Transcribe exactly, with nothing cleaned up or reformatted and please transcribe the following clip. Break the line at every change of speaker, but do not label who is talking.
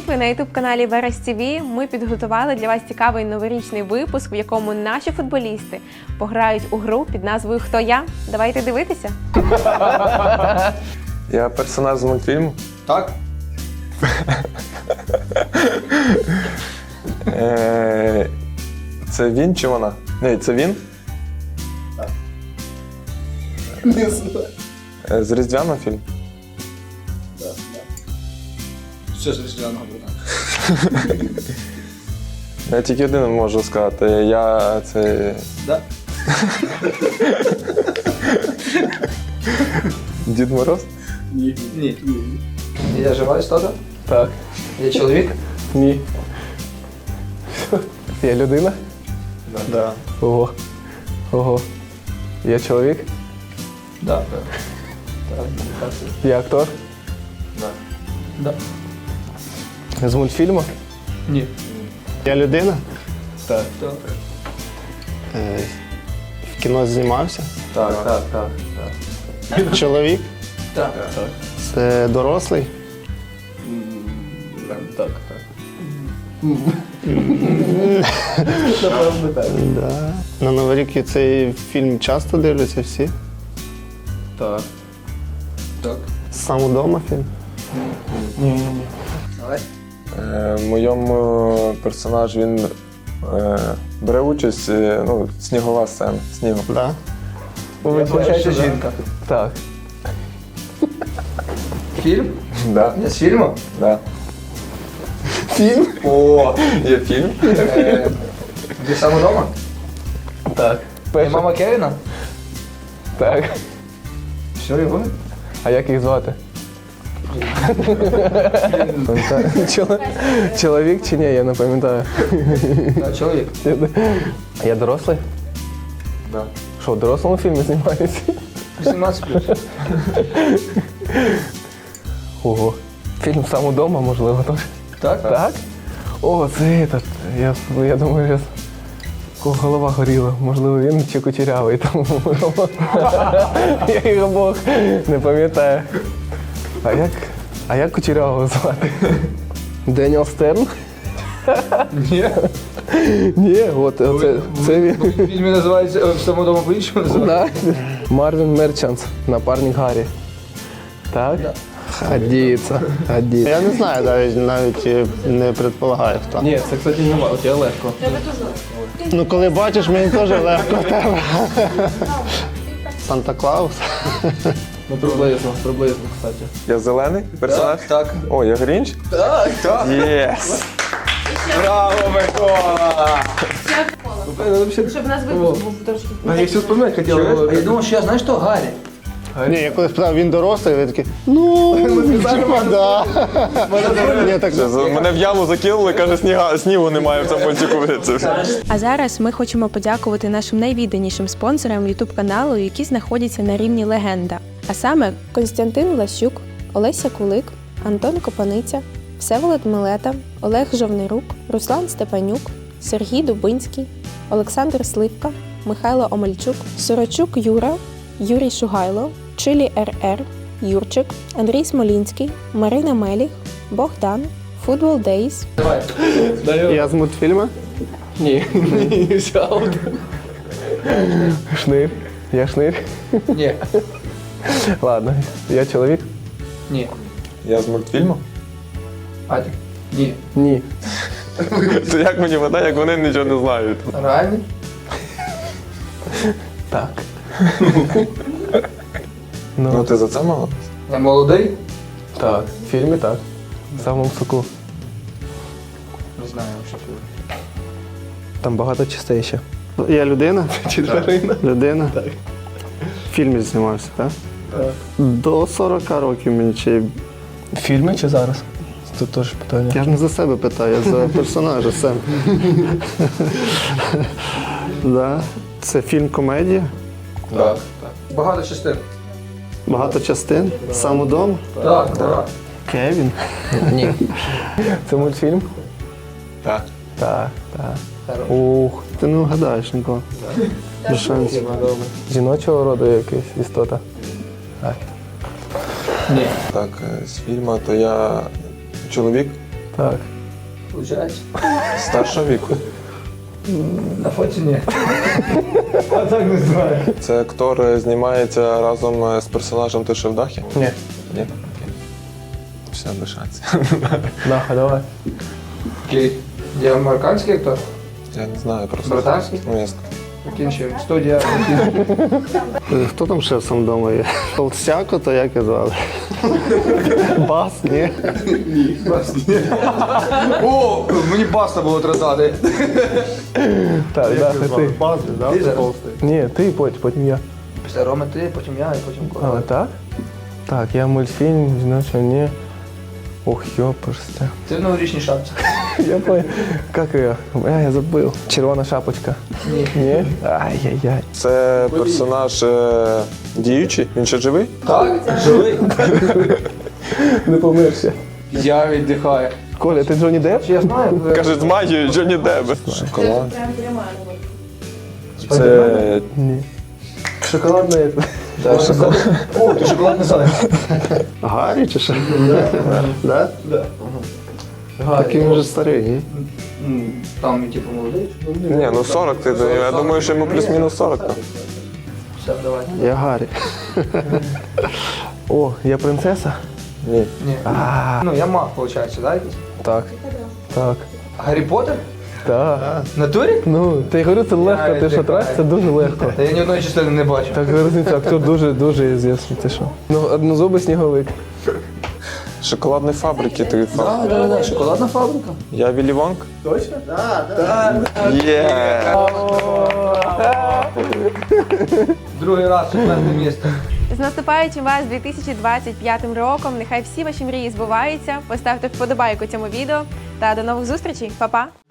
ви на ютуб-каналі Верес ТВ. Ми підготували для вас цікавий новорічний випуск, в якому наші футболісти пограють у гру під назвою «Хто я?». Давайте дивитися.
Я персонаж з мультфільму.
Так.
Е, Це він чи вона? Ні, це він?
Так. Не знаю.
Е, З Різдвяного фільм?
Так, так. Що з Різдвяного, братан?
Я тільки один можу сказати. Я це...
Да?
Дід Мороз?
Ні. Ні. Я жива істота?
Так.
Я чоловік?
Ні. Я людина?
Да.
Ого. Ого. Я чоловік?
Да. Так. Так.
Я актор?
Да. Да.
З мультфільму?
Ні.
Я людина?
Так.
Так.
Е, в кіно знімався.
Так, так, так. так.
Чоловік?
Так.
так.
Це дорослий?
Так, так.
Напевно, так.
Да. На Новий рік цей фільм часто дивляться всі?
Так.
Так.
Сам удома фільм?
Давай.
Е, В моєму персонаж він е, бере участь, е, ну, снігова сцена, снігу.
Да.
Виходить, жінка.
Так.
Фільм?
Да.
Я з фільму?
Да.
Фільм?
О, є фільм?
Е, Ти сам удома?
Так.
Ти мама Кевіна?
Так.
Що його?
А як їх звати? Чол- Чоловік чи ні, я не пам'ятаю.
Так, чоловік.
Я дорослий?
Да.
Що, в дорослому фільмі знімаюся?
вісімнадцять плюс.
Ого. Фільм «Сам удома», можливо, теж.
Так?
Так? О, це этот. Я, я думаю, я... Кого голова горіла. Можливо, він чи кучерявий. Тому... я їх обох не пам'ятаю. А як? А як кучерявого звати? Деніел Стерн?
Ні.
Ні, от це, це він.
В фільмі називається «В тому дому по-іншому» називається.
Да. Марвін Мерчантс, напарник Гаррі. Так?
Да.
Годиться, годиться.
Я не знаю, навіть, навіть е, не предполагаю, хто.
Ні, це, кстати, не мало, тебе легко.
Ну, коли бачиш, мені теж легко в тебе. Санта-Клаус?
Ну, приблизно, приблизно, кстати. Я зелений персонаж?
Так.
О, я Грінч?
Так, так.
Єс!
Браво, Микола!
Щоб у нас випуск був трошки.
А я все вспоминати хотів.
А я думав, що я знаю, що Гаррі.
Ні, я коли спитав, він дорослий, ви такі, ну, типа, да. Ні, так,
Мене в яму закинули, каже, сніга, снігу немає в цьому мультику.
А зараз ми хочемо подякувати нашим найвідданішим спонсорам ютуб-каналу, які знаходяться на рівні легенда. А саме Костянтин Влащук, Олеся Кулик, Антон Копаниця, Всеволод Милета, Олег Жовнирук, Руслан Степанюк, Сергій Дубинський, Олександр Сливка, Михайло Омельчук, Сорочук Юра, Юрій Шугайло, Чилі РР, Юрчик, Андрій Смолінський, Марина Меліх, Богдан, Футбол Дейс.
Давай.
я з мультфільму?
Ні, ні, все. Шнир. Я шнир.
Ні.
Ладно, я чоловік.
Ні.
Я з мультфільму?
Адік. Ні.
Ні. То як мені вода, як вони нічого не знають?
Реальний?
Так. Ну, ти за це мало?
Я молодий?
Так. В фільмі так. В самому соку.
Не знаю, що це.
Там багато частей ще.
Я людина?
Чи тварина?
Людина? Так. В фільмі знімався, так?
Так.
До сорока років мені чи...
В фільмі чи зараз? Тут теж питання.
Я ж не за себе питаю, я за персонажа сам. Да. Це фільм-комедія?
Так. Багато частин.
Багато частин? Сам удома?
Так, так.
Кевін?
Ні. Це мультфільм? Так. Так, так. Ух.
Ти не вгадаєш нікого. Без шансів.
Жіночого роду якась істота? Так.
Ні.
Так, з фільму, то я чоловік?
Так.
Получається.
Старшого віку.
На фоті ні.
Я так не знаю.
Це актор е, знімається разом е, з персонажем «Ти ще в дахі»?
Ні.
Ні? Окей. Все, без шансів.
Наха, давай.
Окей. Я американський актор.
Я не знаю просто.
Британський?
Ну, я...
Закінчуємо. Студія.
Е, Хто там ще сам вдома є? Толстяко, то як і звали? Бас, ні?
О, мені баста було тратати.
Так, да, це ти.
Бас, да?
Ти зараз?
Толстий.
Ні, ти потім, потім я.
Після Роми ти, потім я і потім
А,
Коля.
так? Так, я мультфільм, значить, ні. Ох, ёпрсте.
Ти в новорічній шапці.
Я понял. Как ее? А, я забыл. Червона шапочка.
Ні.
Ні? Ай-яй-яй.
Це персонаж е, діючий? Він ще живий?
Так, живий.
Не помирся.
Я віддихаю.
Коля, ти Джонні Депп?
Чи я знаю?
Каже, з магією Джонні Депп. Шоколад. Це
Ні. Шоколадне.
Так, шоколад. О, ти шоколад не знаєш.
Гаррі чи що? Да?
Да.
Такий він вже старий, ні?
М, Там, типу, молодий.
ні, ну сорок, ти, я думаю, що йому плюс-мінус сорок. там.
Все, давай.
Я Гаррі.
О, я принцеса?
Ні.
Ні. Ну, я маг, виходить, да, якийсь?
Так. Так.
Гаррі Поттер?
Так.
В натурі?
Ну, ти говорю, це легко, ти що трать, це дуже легко.
Та я ні одної частини не бачу.
Так, різниця, актор дуже, дуже звісний, ти що? Ну, однозубий сніговик.
Шоколадної фабрики ти фа.
Так, так, так, шоколадна фабрика.
Я Віллі Вонг?
Точно?
Є!
Другий раз четверте місце.
З наступаючим вас дві тисячі двадцять п'ятим роком. Нехай всі ваші мрії збуваються. Поставте вподобайку цьому відео та до нових зустрічей. Па-па!